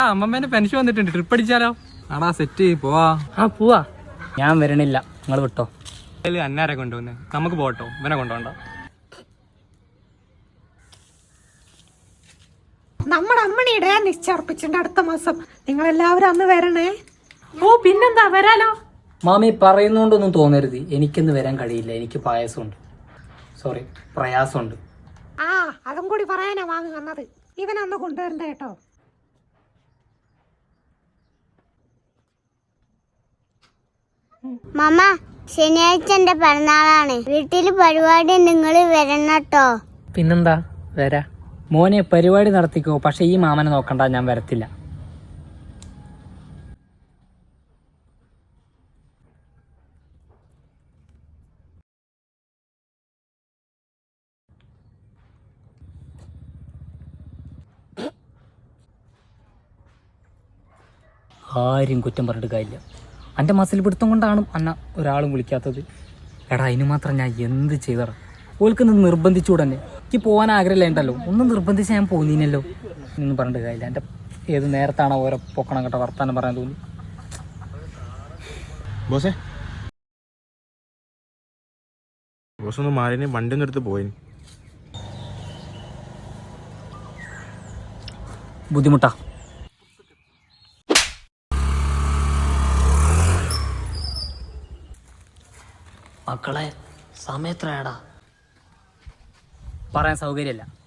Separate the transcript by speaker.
Speaker 1: അമ്മമ്മേന്റെ pension വന്നിട്ടുണ്ട്, trip അടിച്ചാലോ? ആടാ set പോവാ.
Speaker 2: പോവാ. ഞാൻ വരണില്ല, നിങ്ങൾ വിട്ടോ.
Speaker 1: അന്നാരെ കൊണ്ടുവന്ന് നമുക്ക് പോട്ടോ, ഇവനെ കൊണ്ടുപോണ്ട.
Speaker 3: നമ്മുടെ അമ്മണിയുടെ നിശ്ചർപ്പിച്ചിട്ടുണ്ട് അടുത്ത മാസം. നിങ്ങൾ എല്ലാവരും അന്ന് വരണേ.
Speaker 4: പിന്നെന്താ, വരാലോ.
Speaker 2: മാമി പറയുന്നോണ്ടൊന്നും തോന്നരുത്, എനിക്കൊന്ന് വരാൻ കഴിയില്ല. എനിക്ക് പായസമുണ്ട്, സോറി പ്രയാസമുണ്ട്.
Speaker 3: അതും കൂടി പറയാനാ വാങ്ങി വന്നത്. ഇവനന്ന് കൊണ്ടുവരണ്ട കേട്ടോ.
Speaker 5: മാമ, ശനിയാഴ്ച എന്റെ പിറന്നാളാണ്. വീട്ടില് പരിപാടി നിങ്ങൾ വരണട്ടോ.
Speaker 2: പിന്നെന്താ, വരാ. മോനെ പരിപാടി നടത്തിക്കോ, പക്ഷെ ഈ മാമനെ നോക്കണ്ട, ഞാൻ വരത്തില്ല. ആരും കുറ്റം പറഞ്ഞിട്ട് കാര്യമില്ല. എൻ്റെ മസിൽ പിടുത്തം കൊണ്ടാണ് അന്ന ഒരാളും വിളിക്കാത്തത്. എടാ അതിന് മാത്രം ഞാൻ എന്ത് ചെയ്തടാ. ഓൽക്കൊന്ന് നിർബന്ധിച്ചുകൂടെ തന്നെ. എനിക്ക് പോകാൻ ആഗ്രഹമില്ലല്ലോ, ഒന്നും നിർബന്ധിച്ച് ഞാൻ പോന്നീനല്ലോ എന്ന് പറഞ്ഞിട്ട് കാര്യമില്ല. എൻ്റെ ഏത് നേരത്താണ് ഓരോ പൊക്കണം കേട്ടോ വർത്താനം പറയാൻ തോന്നി.
Speaker 6: ബോസ് ഒന്ന് മാറിന്, വണ്ടി ഒന്നും എടുത്ത് പോയിന്.
Speaker 2: ബുദ്ധിമുട്ടാ. മക്കളെ സമയത്രയാടാ? പറയാൻ സൗകര്യമില്ല.